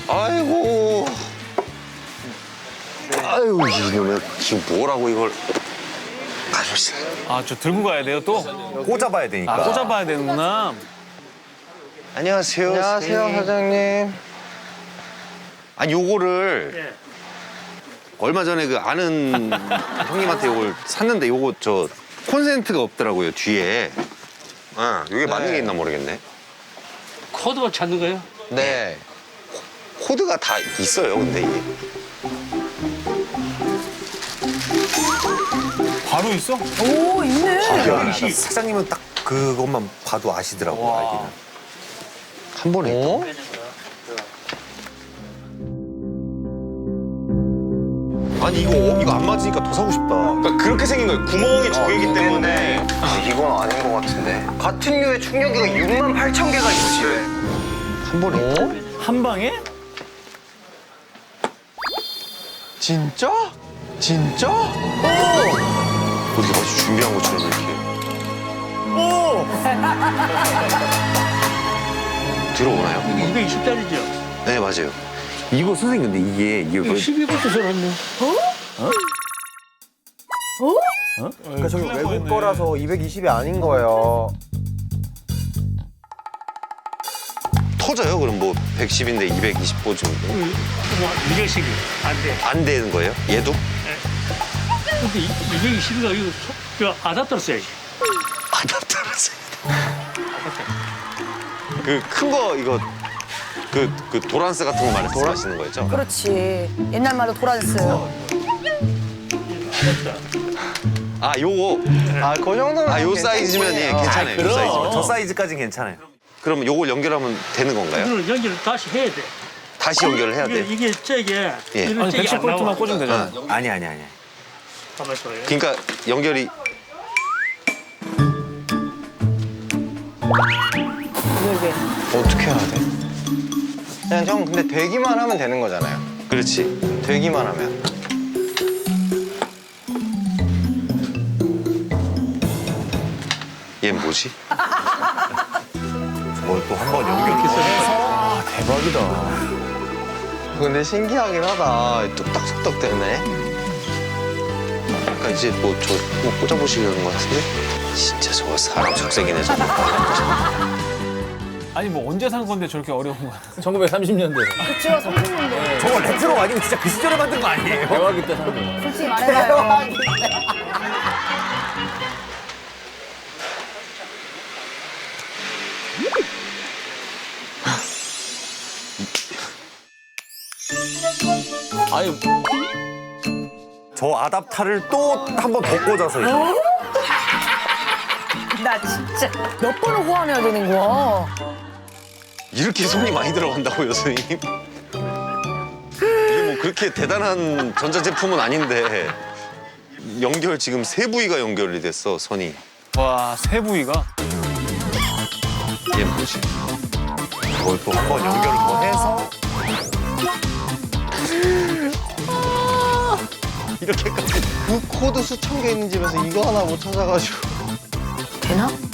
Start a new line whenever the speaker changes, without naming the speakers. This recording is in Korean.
아이고. 아유, 이놈의 지금 뭐라고 이걸.
아, 저 들고 가야 돼요, 또?
꽂아봐야 되니까.
아, 꽂아봐야 되는구나.
안녕하세요.
안녕하세요,
선생님.
사장님.
아니, 요거를 얼마 전에 그 아는 형님한테 요걸 샀는데 요거 저 콘센트가 없더라고요, 뒤에. 아, 이게 맞는 게 있나 모르겠네.
코드만 찾는 거예요?
네.
코드가 다 있어요, 근데 이게.
바로 있어?
오, 있네.
사장님은 딱 그것만 봐도 아시더라고, 알기는.
한 번에 있다. 아니 이거 안 맞으니까 더 사고 싶다. 그러니까 그렇게 생긴 거예요. 구멍이 두 개이기 때문에.
이건 아닌 것 같은데. 같은 류의 충격기가 68,000개가 있지.
한 번에 있다.
한 방에?
진짜? 진짜?
어디 마치 준비한 것처럼 이렇게. 들어오나요?
220짜리죠?
네 맞아요. 이거 선생님 근데 이게
이거 12V 써놨네.
그러니까 저기 외국 거라서 220이 아닌 거예요.
터져요? 그럼 뭐 110인데 220보 정도?
210이 안 돼.
안 되는 거예요? 얘도?
근데 220이가 이거 저 아답터를 써야지.
아답터라서. 그 큰 거 이거 그 도란스 같은 거 말씀하시는 거였죠?
그렇지. 옛날 말로 도란스.
아 요거
아, 그 정도면.
아 요 사이즈면 예 괜찮아요. 요 사이즈면.
저 사이즈까지는 괜찮아요.
그러면 요걸 연결하면 되는 건가요?
이거는 연결을 다시 해야 돼.
다시 연결을 해야 돼.
이게 저게
예.
이런
아니,
잭이 안
110볼트만
나와.
꽂으면 되잖아.
아니.
가만 있어요.
그러니까 연결이
어떻게 해야 돼? 그냥 형, 근데 되기만 하면 되는 거잖아요.
그렇지.
되기만 하면.
얘 뭐지?
저걸 또 한 번 연결해서.
근데 신기하긴 하다. 뚝딱뚝딱 되네.
그러니까 이제 뭐 저 꽂아보시려는 것 같은데? 진짜 저거 사람 속색이네 저거.
아니, 뭐 언제 산 건데 저렇게 어려운 거야?
1930년대
그쵸, 30년대.
저거 레트로 아니고 진짜 그 시절에 만든 거 아니에요?
대화기 때 산 거예요.
솔직히 말해봐요.
아니
저 아답타를 또 한 번 더 꽂아서 이제.
나 진짜 몇 번을 호환해야 되는 거야.
이렇게 손이 많이 들어간다고요, 선생님? 이게 뭐 그렇게 대단한 전자제품은 아닌데 연결 지금 세 부위가 연결이 됐어, 선이.
와, 세 부위가?
얘 뭐지?
저걸 또 한 번 연결을 더 해서.
이렇게까지.
그 코드 수천 개 있는 집에서 이거 하나 못 찾아가지고.
되나?